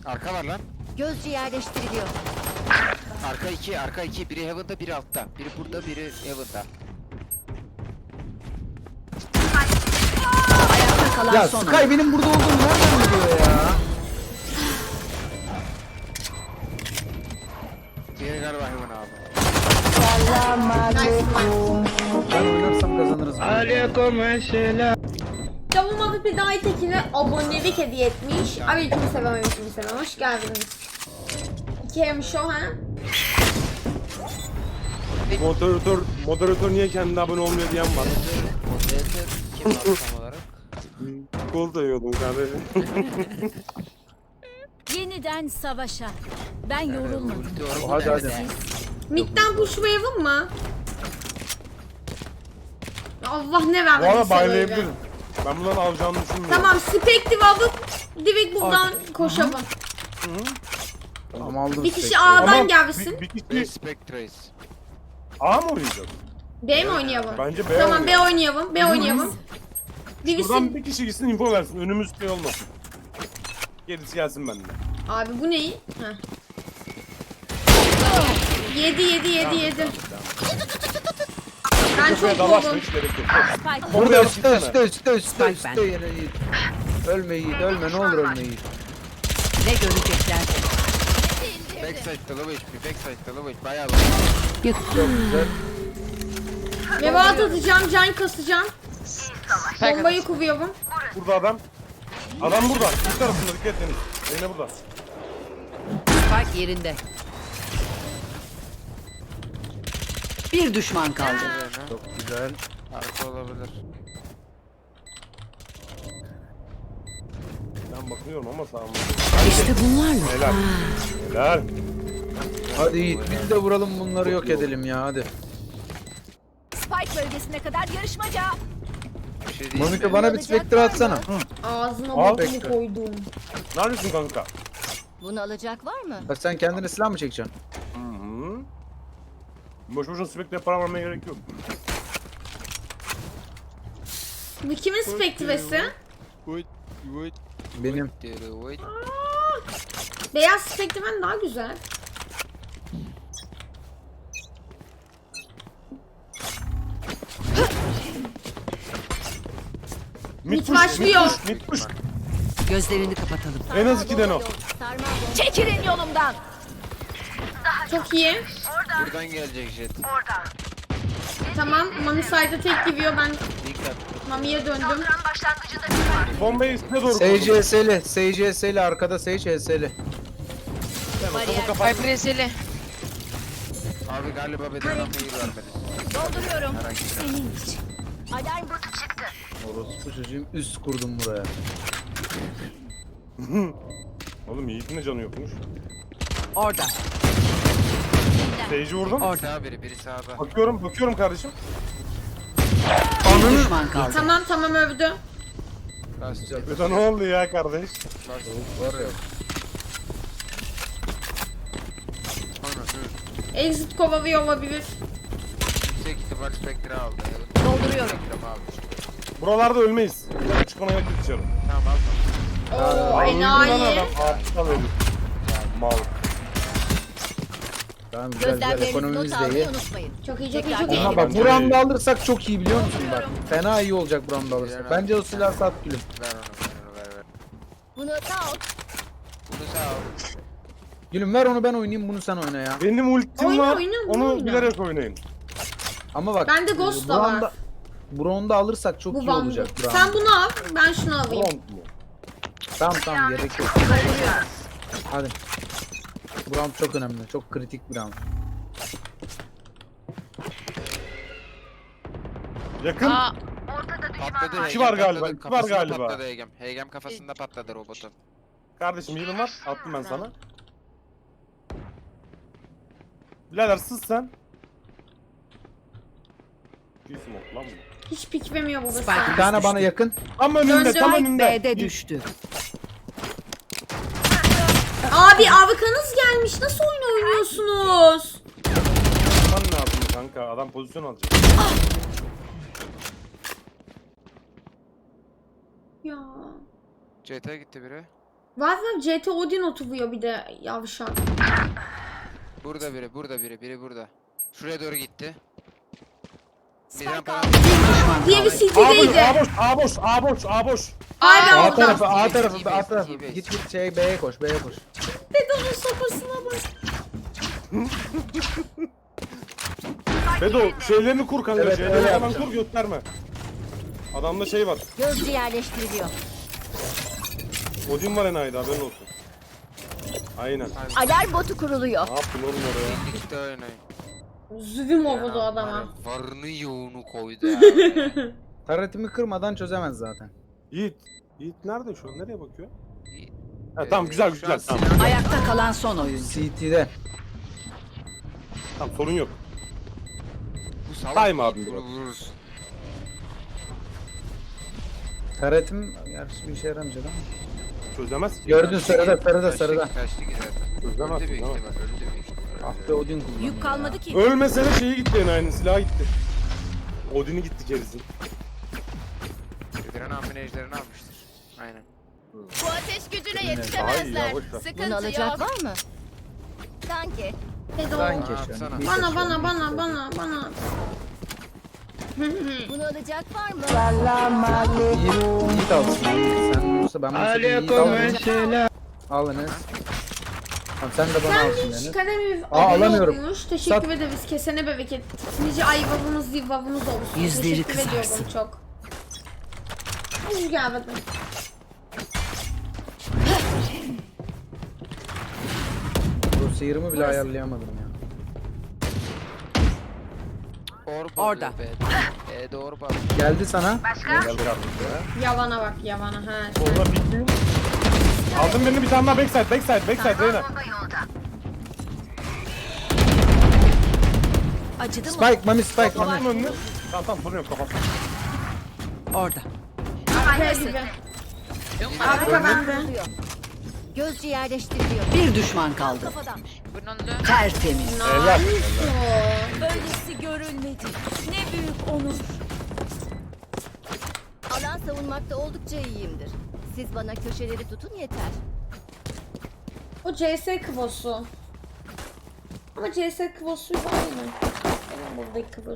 Arka var lan. Gözcü yerleştiriliyor. Arka iki, arka iki. Biri Heaven'da, biri altta. Biri burada, biri Heaven'da. Ayakta kalan Ya son Sky oyun. benim burada olduğum nereden biliyor ya? Diğeri galiba Heaven abi. Ben oynarsam kazanırız. Canım abi bir daha tekine abonelik hediye etmiş. Aleykümselam. Hoş geldiniz. İki hem şu ha. Moderatör niye kendine abone olmuyor diyen var. Moderatör kim var tam olarak? Gol da yiyordum kardeşim. Yeniden savaşa. Ben yorulmadım. Ulti var, Hadi, ulti hadi. var. Mid'den pushlayalım mı? Allah ne Bu vermedi arada size böyle. baylayabilirim. Ben bundan alacağını düşünmüyorum. Tamam, Spectre alıp direkt buradan koşalım. Tamam aldım. Bir kişi Spectre'yi. A'dan gelsin. Bir kişi Respect A mı oynayacak? B mi oynayalım? Bence B Tamam, B oynayalım. oynayalım. B oynayalım. Birisi... Buradan bir kişi gitsin info versin. Önümüz şey olmasın. Gerisi gelsin benden. Abi bu ne? Heh. 7. Ben çok Kafaya dalaşma boğum. hiç gerek yok. Spike Burada Orada üstte Spike üstte bende. yine Yiğit. Ölme Yiğit ölme ne olur ölme Yiğit. ne görecekler? Backside'da low HP, backside'da low HP. Bayağı Çok güzel. Mevat atacağım, can kasacağım. Bombayı kuruyorum. Burada adam. Adam burada. Bir tarafında dikkat edin. Yine burada. Spike yerinde. Bir düşman kaldı. low. Çok güzel. Arka olabilir. Ben bakıyorum ama sağ olun. İşte bunlarla. Helal. Helal. Hadi Yiğit biz de vuralım bunları yok edelim ya hadi. Spike bölgesine kadar yarışmaca. Bir şey değil. Monika bana bir Spectre atsana. Ağzına Al. bokumu koydum. Neredesin kanka? Bunu alacak var mı? Ha, sen kendine silah mı çekeceksin? Hı. Boş boşuna Spectre'ye para vermeye gerek yok. Bu kimin Spectre'si? Wait, wait. Benim. Wait. Beyaz Spectre'den daha güzel. Mit başlıyor. Mid push. Gözlerini kapatalım. En az 2 o. Çekilin yolumdan. Çok iyi. Buradan gelecek jet. Tamam, Mami side'a tek gidiyor. Ben Dikkat. Mami'ye döndüm. Bombayı üstüne doğru koydum. SCS'li arkada Sage HS'li. Preseli. Abi galiba bedenen mail vermedi. Dolduruyorum. Merak etme. Senin için. Alarm botu çıktı. Orospu çocuğum üst kurdum buraya. Oğlum Yiğit'in de canı yokmuş. Orada. Sage'i vurdum. Sağ biri sağda. Bakıyorum kardeşim. Bir düşman kaldı. Tamam övdü. Lastik. Öte ne oldu ya kardeş? Var ya. Sonra dur. Exit kovalıyor olabilir. Yüksek ihtimal Spectre aldı. Dolduruyorum. Spectre aldı. Buralarda ölmeyiz. Çıkmana yok dışarı. Tamam aldım. Oo, enayi. Aptal herif. Mal. Tamam güzel güzel Gözlemlerinizi ekonomimiz not de iyi. almayı unutmayın. Çok iyi. Ama bak bu round'u alırsak çok iyi biliyor musun bak. Fena iyi olacak bu round'u alırsak. Bence o silahı sat gülüm. Ver onu ver. Bunu da al. Bunu sağ ol. Gülüm ver onu ben oynayayım bunu sen oyna ya. Benim ultim Oyna, var. oyna, Onu oyna. bilerek oynayın. Ama bak. Bende Ghost da var. Bu round'u alırsak çok Bu iyi bandı. olacak. bu round. Sen bunu al, ben şunu alayım. Round mu? Tamam gerek yok. Hadi. Bu round çok önemli. Çok kritik bir round. Yakın. Aa, Patladı. İki var galiba, patladı. iki var Kafasında galiba. Patladı Hegem. Hegem kafasında patladı robotun. Kardeşim yılın var. Attım ben sana. Birader sız sen. Bir smoke lan bu. Hiç pikvemiyor babası. Spike. Bir tane bana yakın. Tam önünde, Döndü. tam önünde. B'de düştü. Abi avkanız gelmiş. Nasıl oyun oynuyorsunuz? Yapman lazım kanka. Adam pozisyon alacak. Ya. CT gitti biri. Bazen CT Odin oturuyor bir de yavşak. Burada biri burada. Şuraya doğru gitti. Spike Midrampa aldı. Diğeri A CT'deydi. boş, A boş. Abi A orada. tarafı, A İyi tarafı, base, A tarafı. iyi base. Git şey B'ye koş, B'ye koş. Bedo'nun sopasına bak. Bedo şeylerini kur kanka. Evet, Şeylerini öyle falan yapacağım. kur gösterme. Adamda şey var. Gözcü yerleştiriliyor. Odin var enayide haberin olsun. Aynen. Alarm botu kuruluyor. Ne yaptın oğlum oraya? İşte oynayın. Züvüm oldu adama. Varını yoğunu koydu abi. Taretimi kırmadan çözemez zaten. Yiğit. Yiğit nerede şu an? Nereye bakıyor? Yiğit. Ha, tamam güzel Şu güzel. an Tamam. silah- Ayakta kalan son oyuncu. CT'de. Tamam sorun yok. Bu salak Sayma Yiğit, abim bunu biraz. vururuz. Taretim gerçi bir işe yaramayacak ama. Çözemez ki. Gördün sarıda, sarıda, Kaçtı, sarıda. Kaçtı ki zaten. Çözemez. Öldü büyük Çözemez. ihtimal. Öldü büyük ihtimal. Ah be Odin kullandı. Yük kalmadı ki. Ölmesene şeyi gitti enayinin silahı gitti. Odin'i gitti gerisi. Öldüren amine ejderini almıştır. Aynen. Bu ateş gücüne Daha iyi yetişemezler. ya boş ver. Sıkıntı Bunu alacak yok. var mı? Sanki. Bedo. Sanki şu Yapsana. an. Bana. Bunu alacak var mı? Yiğit alsın. Sen olursa ben bunu Yiğit alırım. Al Enes. Tamam sen de bana Sen alsın hiç Enes. kademi alamıyorum. olmuş. Teşekkür Sat. ederiz. Kesene bereket. Nice ayvamız yuvamız olsun. Yüzleri Teşekkür ediyorum kızarsın. çok. Hoş geldin. Bu sıyırımı bile ayarlayamadım ya. Orada. Doğru bak. Geldi sana. Yavana bak yavana. Ha. Orada bitti. Aldım birini bir tane daha backside Reyna. Acıdı mı? Spike, Mami Spike, Attım Mami. önünü. Tamam sorun yok kapat. Orada. Arkaya gibi. Arka bende. Gözcü yerleştiriliyor. Bir düşman kaldı. Kafadan. Tertemiz. Helal. Böylesi görülmedi. Ne büyük onur. Alan savunmakta oldukça iyiyimdir. Siz bana köşeleri tutun yeter. O CS kıvosu. Ama CS kıvosuyla aynı. Benim buradaki kıvos.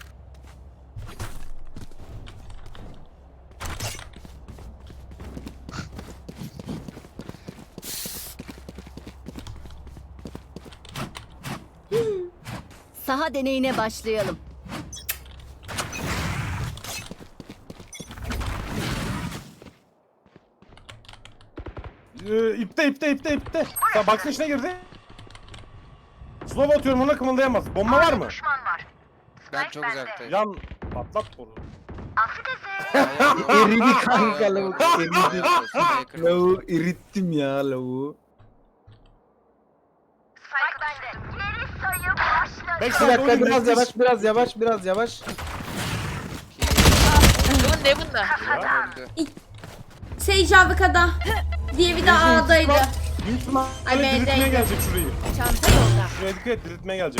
Saha deneyine başlayalım. İpte. Sen baksın içine girdi. Slow atıyorum ona kımıldayamaz. Bomba var mı? Ben çok uzaktayım. Yan patlat boru. Eridi kanka lavuk. Eridi. Sniper. Lavuğu erittim ya lavuğu. Bir Backside dakika Odin biraz nefis. yavaş, biraz yavaş. Öldü. Sage AWK'da. Diğeri de A'daydı. Büyük ihtimalle Ay, diriltmeye B'deydi. gelecek şurayı. Çanta yolda. Şuraya dikkat et diriltmeye gelecek.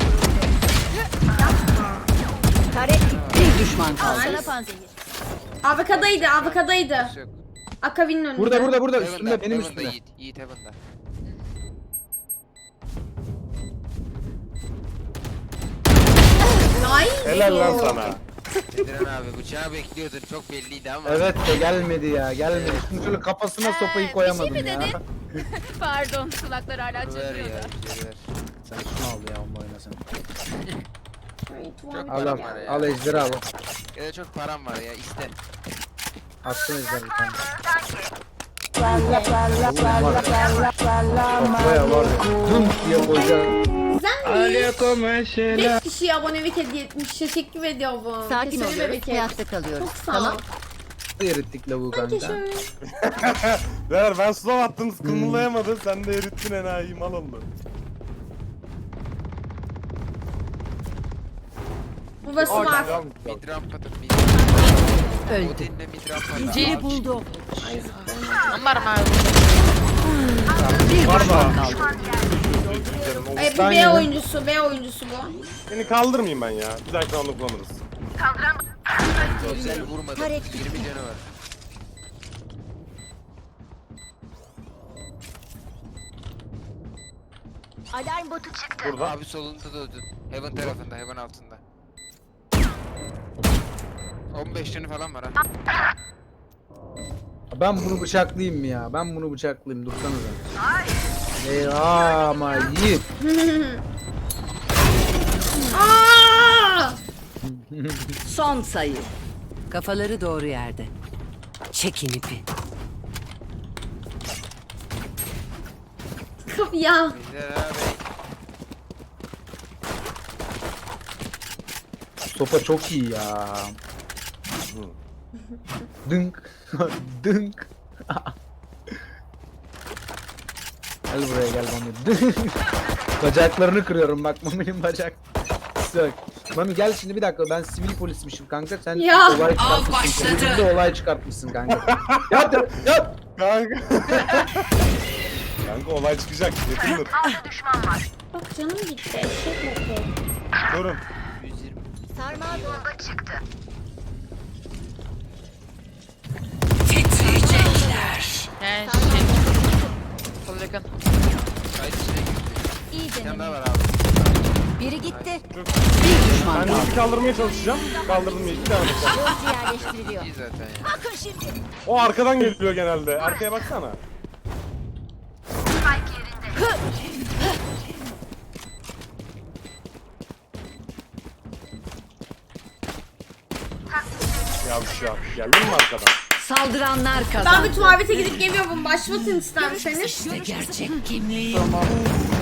Taret bir düşman kaldı. Sana panzehir. AWK'daydı. Yok. Akavi'nin önünde. Burada Heaven'da, üstümde benim Heaven'da üstümde. Yiğit Heaven'da. Nice. Helal lan sana. Ediren abi bıçağı bekliyordun çok belliydi ama. Evet de gelmedi ya gelmedi. Şimdi şöyle kafasına sopayı koyamadım bir şey ya. mi dedin? Pardon kulaklar hala Ver çınlıyor ya. da. geri ver. Sen şunu al ya onu oynasın. Çok Al param al. var ya. Al ejderi al. Ya da çok param var ya iste. Attın ejderi bir tane. Kafaya var ya. Dum diye koyacağım. Güzelmiş. 5 kişiye abonelik hediye etmiş. Teşekkür ediyorum. Sakin Kesene oluyoruz. bereket. Hayatta kalıyoruz. Çok sağ ol. Tamam. Erittik lavuğu kanka. Teşekkür. Ver ben slow attım kımıldayamadın sen de erittin enayi mal oldu. Burası var. Mid rampadır. Öldü. Odin'le mid rampadır. Yüceyi Abi, buldu. Bir Bir var düşman da. kaldı. Bu B oyuncusu. B oyuncusu bu. Seni kaldırmayayım ben ya. Bir dahaki round'da kullanırız. Özel vurmadı. 20 canı var. Alarm botu çıktı. Burada. Abi solunda da öldün. Heaven tarafında, Heaven altında. 15 canı falan var ha. Ben bunu bıçaklayayım mı ya? Ben bunu bıçaklayayım. Dursanıza. Ama iyi. Aa! Son sayı. Kafaları doğru yerde. Çekin ipi. Ya. Bizler abi. Sopa çok iyi ya. Dınk. Dınk. Gel buraya gel Mami. Dınk. Bacaklarını kırıyorum bak Mami'nin bacak. Sök. Mami gel şimdi bir dakika ben sivil polismişim kanka sen Ya. olay çıkartmışsın. Sen de olay çıkartmışsın kanka. Yap. Kanka. Kanka olay çıkacak. Yakındır. Bak canım gitti. Eşek motor. Durun. 120. Sarmal bomba çıktı. Titriyecekler. He Sol yakın. Kayıt içine girdi. İyi Bir tane daha deneme. var abi. Biri gitti. Bir düşman Ben kaldı. de kaldırmaya çalışacağım. Kaldırdım ya. Bir tane bakalım. Gözcü yerleştiriliyor. İyi zaten ya. Bakın şimdi. O arkadan geliyor genelde. Arkaya baksana. Yavşak. Geldin mi arkadan? Saldıranlar Ben kazandı. bir tuvalete gidip geliyorum. Başlatın isterseniz. İşte gerçek kimliği. Tamam.